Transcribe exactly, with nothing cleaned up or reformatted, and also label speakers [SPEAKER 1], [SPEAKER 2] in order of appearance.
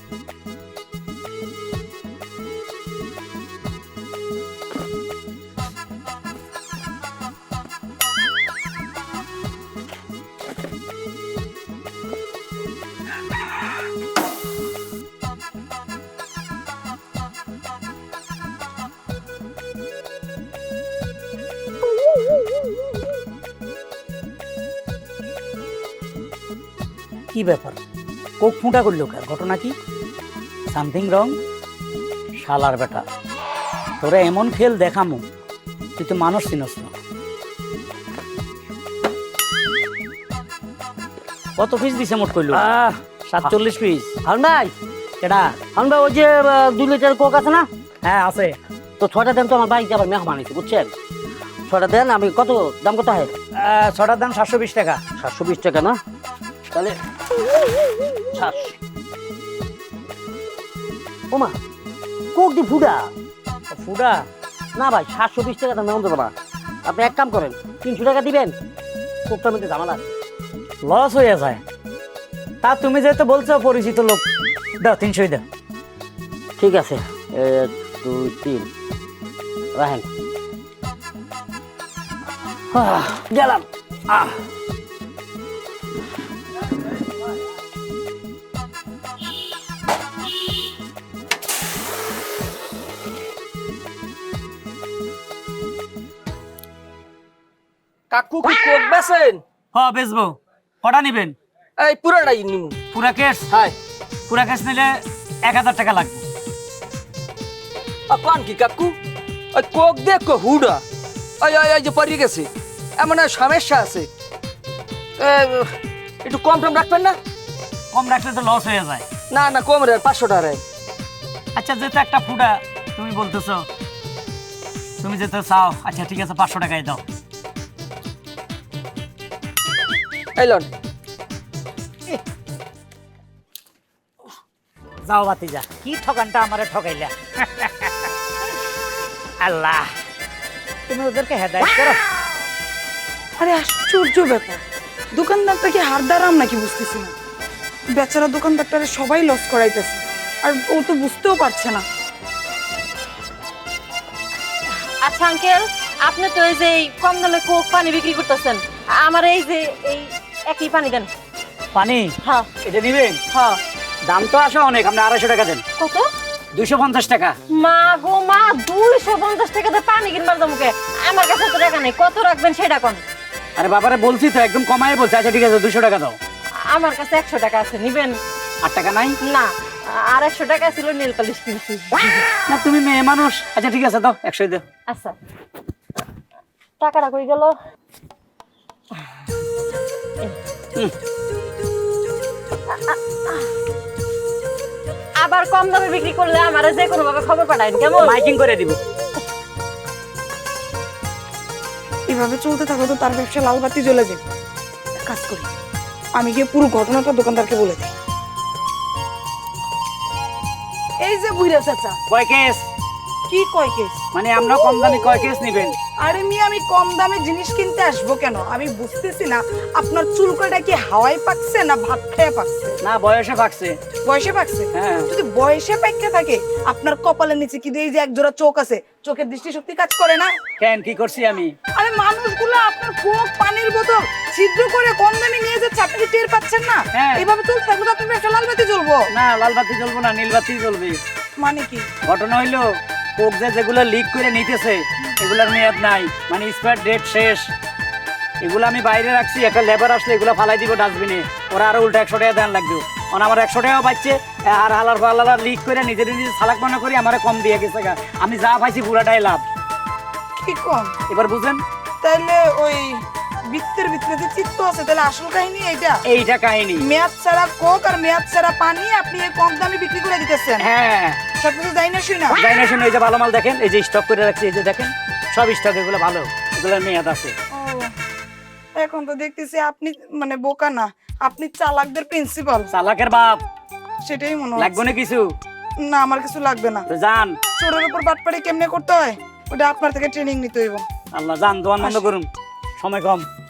[SPEAKER 1] কি ব্যাপার কোক ফুটা করলো কার ঘটনা কি সামথিং রং শালার বেটা তোরা এমন খেল দেখামু তুই তো মানুষ চিনস না কত পিস দিছে মোট কইলো সাতচল্লিশ পিস
[SPEAKER 2] হারুন ভাই
[SPEAKER 1] কেডা
[SPEAKER 2] হারুন ভাই ওই যে দুই লিটার কোক আছে না
[SPEAKER 1] হ্যাঁ আছে
[SPEAKER 2] তো ছয়টা দেন তো আমার বাড়িতে আবার মেহমান আছে বুঝছেন ছয়টা দেন আমি কত দাম কত হয়
[SPEAKER 1] আহ, ছটার দাম সাতশো বিশ টাকা
[SPEAKER 2] সাতশো বিশ টাকা না তাহলে সাতশো ওমা কোক দি ফুডা
[SPEAKER 1] ফুডা
[SPEAKER 2] না ভাই সাতশো বিশ টাকা দাম মেমন দেবো না আপনি এক কাম করেন তিনশো টাকা দিবেন কোকটার মধ্যে ঝামেলা আছে
[SPEAKER 1] লস হয়ে যায় তা তুমি যেহেতু বলছো পরিচিত লোক দাও তিনশোই দাও
[SPEAKER 2] ঠিক আছে এক দুই তিন রাখেন আহ, গেলাম আহ
[SPEAKER 3] কাকু কি কোক বেছেন?
[SPEAKER 1] হ বেচবো কটা নিবেন
[SPEAKER 3] এই পুরাটাই নিমু।
[SPEAKER 1] পুরা কেস
[SPEAKER 3] হাই
[SPEAKER 1] পুরা কেস নিলে এক হাজার টাকা লাগবে
[SPEAKER 3] আপন কি কাকু ওই কোক দেখো হুডা ওই ওই ওই যে পড়ে গেছে এমন এক সমস্যা আছে এ, একটু কম টম রাখবেন না?
[SPEAKER 1] কম রাখলে তো লস হয়ে যায়
[SPEAKER 3] না না কম রে পাঁচশো টাকা রে।
[SPEAKER 1] আচ্ছা যেহেতু একটা ফুডা তুমি বলতেছো তুমি যেহেতু চাও আচ্ছা ঠিক আছে পাঁচশো টাকায় দাও
[SPEAKER 3] এলন
[SPEAKER 1] যাও বাতি যা কি ঠকানটা আমারে ঠকাইলা আল্লাহ তুমি ওদেরকে হেদায়েত করো
[SPEAKER 4] আরে আশ্চর্য ব্যাপার দোকানদারটা কি হারদারাম নাকি বুঝতেছি না বেচারা দোকানদারটারে সবাই লস করাইতেছে আর ও তো বুঝতেও পারছে না
[SPEAKER 5] আচ্ছা আঙ্কেল আপনি তো এই যে এই কম দামে কোক পানি বিক্রি করতেছেন আমার এই যে এই একই পানি দেন
[SPEAKER 1] পানি
[SPEAKER 5] হ্যাঁ
[SPEAKER 1] এটা নিবেন
[SPEAKER 5] হ্যাঁ
[SPEAKER 1] দাম তো আসে অনেক আপনি আড়াইশো টাকা দেন
[SPEAKER 5] কত
[SPEAKER 1] দুইশো পঞ্চাশ টাকা
[SPEAKER 5] মা গো মা দুইশো পঞ্চাশ টাকা দিয়ে পানি কিনবার দামকে আমার কাছে তো টাকা নেই কত রাখবেন সেটা কোন
[SPEAKER 1] আরে বাবারে বলছি তো একদম কমায় বলছি আচ্ছা ঠিক আছে দুশো টাকা দাও
[SPEAKER 5] আমার কাছে একশো টাকা আছে নিবেন
[SPEAKER 1] আট টাকা নাই
[SPEAKER 5] না আর একশো টাকা ছিল নীল পালিশ কিনছি
[SPEAKER 1] না তুমি মেয়ে মানুষ আচ্ছা ঠিক আছে দাও একশোই দাও
[SPEAKER 5] আচ্ছা টাকাটা কই গেল আবার কম দামে বিক্রি করলে আমারে যে কোনো ভাবে খবর পাঠাইন কেমন
[SPEAKER 1] মাইকিং করে দিব
[SPEAKER 4] এভাবে চলতে থাকো তো তার ব্যবসা লাল বাতি জ্বলে যাবে এক কাজ করি আমি গিয়ে পুরো ঘটনাটা দোকানদারকে বলে দিই এই যে বুইরা চাচা
[SPEAKER 1] কয় কেস
[SPEAKER 4] কি কয় কেস
[SPEAKER 1] মানে আমরা কম দামে কয় কেস নিবেন
[SPEAKER 4] আরে মি আমি কম দামে জিনিস কিনতে আসবো কেন আমি বুঝতেছি না আপনার চুলকাটা কি হাওয়ায় পাকছে না ভাত খেয়ে পাকছে
[SPEAKER 1] না বয়সে পাকছে
[SPEAKER 4] বয়সে পাকছে
[SPEAKER 1] হ্যাঁ
[SPEAKER 4] যদি বয়সে পাইকে থাকে আপনার কপালের নিচে কি এই যে এক জোড়া চোখ আছে চোখের দৃষ্টিশক্তি কাজ করে না
[SPEAKER 1] কেন কি করছি আমি
[SPEAKER 4] আরে মানুষগুলো আপনার কোক পানির বোতল ছিদ্র করে কম দামে নিয়ে যাচ্ছে আপনি কি টের পাচ্ছেন না
[SPEAKER 1] হ্যাঁ।
[SPEAKER 4] এইভাবে চলতে থাকলে তো আপনার ব্যবসা লাল বাতি জ্বলবো
[SPEAKER 1] না লাল বাতি জ্বলবো না নীল বাতি জ্বলবে
[SPEAKER 4] মানে কি
[SPEAKER 1] ঘটনা হইলো কোক যে যেগুলো লিক করে নিতেছে এগুলার মেয়াদ নাই মানে এক্সপায়ার ডেট শেষ এগুলো আমি বাইরে রাখছি একটা লেবার আসলে এগুলো ফালাই দিব ডাস্টবিনে ওরা আরো উল্টা একশো টাকা দেন লাগবে কারণ আমার একশো টাকাও পাচ্ছে আর হালার ফালার লিক করে নিজের নিজে সালাক মনে করি আমার কম দিয়ে গেছে গা। আমি যা পাইছি পুরাটাই লাভ
[SPEAKER 4] কি কম
[SPEAKER 1] এবার বুঝেন
[SPEAKER 4] তাইলে ওই বৃত্তের ভিতরে যে চিত্ত আছে তাহলে আসল কাহিনী এইটা
[SPEAKER 1] এইটা কাহিনী
[SPEAKER 4] মেয়াদ ছাড়া কোক আর মেয়াদ ছাড়া পানি আপনি এই কম দামে বিক্রি করে দিতেছেন
[SPEAKER 1] হ্যাঁ
[SPEAKER 4] সবকিছু যাই না শুই না
[SPEAKER 1] যাই না শুনে এই যে ভালো মাল দেখেন এই যে স্টক করে রাখছি এই যে দেখেন সব স্টক এগুলো ভালো এগুলোর মেয়াদ আছে
[SPEAKER 4] ও, এখন তো দেখতেছি আপনি মানে বোকা না আপনি চালাকদের প্রিন্সিপাল
[SPEAKER 1] চালাকের বাপ
[SPEAKER 4] সেটাই মনে
[SPEAKER 1] লাগবে
[SPEAKER 4] হচ্ছে
[SPEAKER 1] না কিছু
[SPEAKER 4] না আমার কিছু লাগবে না
[SPEAKER 1] তো যান
[SPEAKER 4] চোরের উপর বাটপাড়ি কেমনে করতে হয় ওটা আপনার থেকে ট্রেনিং নিতে হইব
[SPEAKER 1] আল্লাহ যান দোয়ান বন্ধ করুন সময় কম